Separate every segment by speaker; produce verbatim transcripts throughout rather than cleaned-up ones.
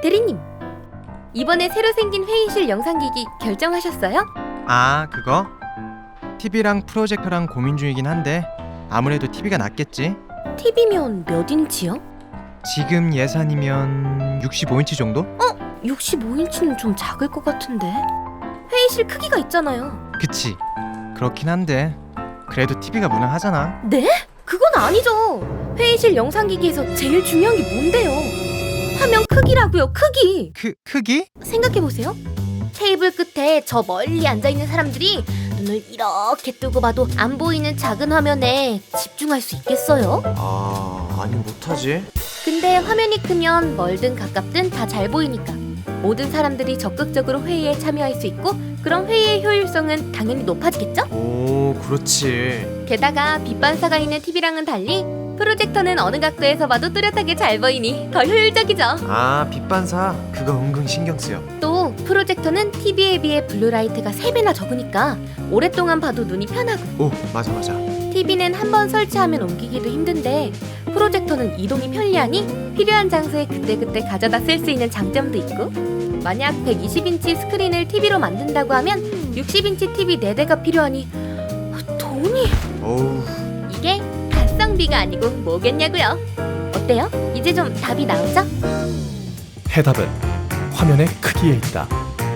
Speaker 1: 대리님, 이번에 새로 생긴 회의실 영상기기 결정하셨어요?
Speaker 2: 아, 그거? 티비랑 프로젝터랑 고민 중이긴 한데 아무래도 티비가 낫겠지?
Speaker 1: 티비면 몇 인치요?
Speaker 2: 지금 예산이면 육십오 인치 정도?
Speaker 1: 육십오 인치는 좀 작을 것 같은데. 회의실 크기가 있잖아요.
Speaker 2: 그치, 그렇긴 한데 그래도 티비가 무난하잖아.
Speaker 1: 네? 그건 아니죠. 회의실 영상기기에서 제일 중요한 게 뭔데요? 화면 크기라고요, 크기.
Speaker 2: 크, 크기?
Speaker 1: 생각해보세요. 테이블 끝에 저 멀리 앉아있는 사람들이 눈을 이렇게 뜨고 봐도 안 보이는 작은 화면에 집중할 수 있겠어요?
Speaker 3: 아, 아니 못하지.
Speaker 1: 근데 화면이 크면 멀든 가깝든 다 잘 보이니까 모든 사람들이 적극적으로 회의에 참여할 수 있고, 그럼 회의의 효율성은 당연히 높아지겠죠?
Speaker 3: 오, 그렇지.
Speaker 1: 게다가 빛 반사가 있는 티비랑은 달리 프로젝터는 어느 각도에서 봐도 뚜렷하게 잘 보이니 더 효율적이죠.
Speaker 3: 아, 빛반사. 그거 은근 신경 쓰여.
Speaker 1: 또 프로젝터는 티비에 비해 블루라이트가 세 배나 적으니까 오랫동안 봐도 눈이 편하고,
Speaker 3: 오, 맞아 맞아.
Speaker 1: 티비는 한 번 설치하면 옮기기도 힘든데 프로젝터는 이동이 편리하니 필요한 장소에 그때그때 가져다 쓸 수 있는 장점도 있고, 만약 백이십 인치 스크린을 티비로 만든다고 하면 육십 인치 티비 네 대가 필요하니 돈이...
Speaker 3: 어우,
Speaker 1: 이게 가성비가 아니고 뭐겠냐고요. 어때요? 이제 좀 답이 나오죠?
Speaker 4: 해답은 화면의 크기에 있다.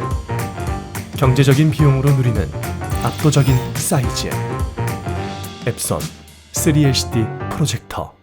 Speaker 4: 경제적인 비용으로 누리는 압도적인 사이즈. 앱선 쓰리 에이치디 프로젝터.